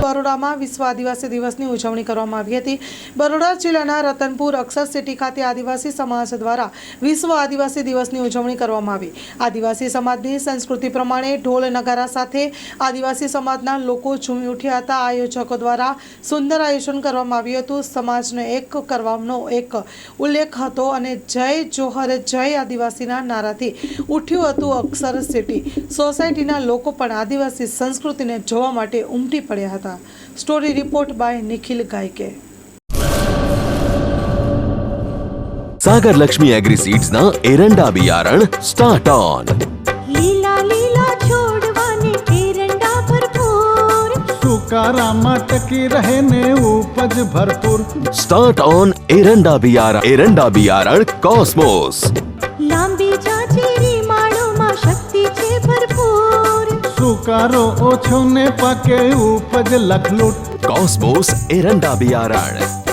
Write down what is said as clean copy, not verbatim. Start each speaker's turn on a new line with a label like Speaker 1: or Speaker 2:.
Speaker 1: બરોડામાં વિશ્વ આદિવાસી દિવસની ઉજવણી કરવામાં આવી હતી। બરોડા જિલ્લાના રતનપુર અક્ષર સિટી ખાતે આદિવાસી સમાજ દ્વારા વિશ્વ આદિવાસી દિવસની ઉજવણી કરવામાં આવી। આદિવાસી સમાજની સંસ્કૃતિ પ્રમાણે ઢોલ નગારા સાથે આદિવાસી સમાજના લોકો ઝૂમી ઉઠ્યા હતા। આયોજકો દ્વારા સુંદર આયોજન કરવામાં આવ્યું હતું। સમાજને એક કરવાનો એક ઉલ્લેખ હતો અને જય જોહર જય આદિવાસીના નારાથી ઉઠ્યું હતું અક્ષર સિટી। સોસાયટીના લોકો પણ આદિવાસી સંસ્કૃતિને જોવા માટે ઉમટી પડ્યા હતા। Story report by Nikhil Gayake.
Speaker 2: Sagar Lakshmi agri seeds ना एरंडा बियारण स्टार्ट ऑन।
Speaker 3: लीला लीला छोड़वाने एरंडा भरपूर,
Speaker 4: सुकारामा टकी रहे ने उपज भरपूर।
Speaker 2: स्टार्ट ऑन एरंडा बियारण कॉस्मोस।
Speaker 3: लांबी जाचेरी माळोमां शक्ति छे भरपूर,
Speaker 4: सुकारो ओछो ने पाके उपज लखलूट।
Speaker 2: कॉस्मोस एरंडा बियारण।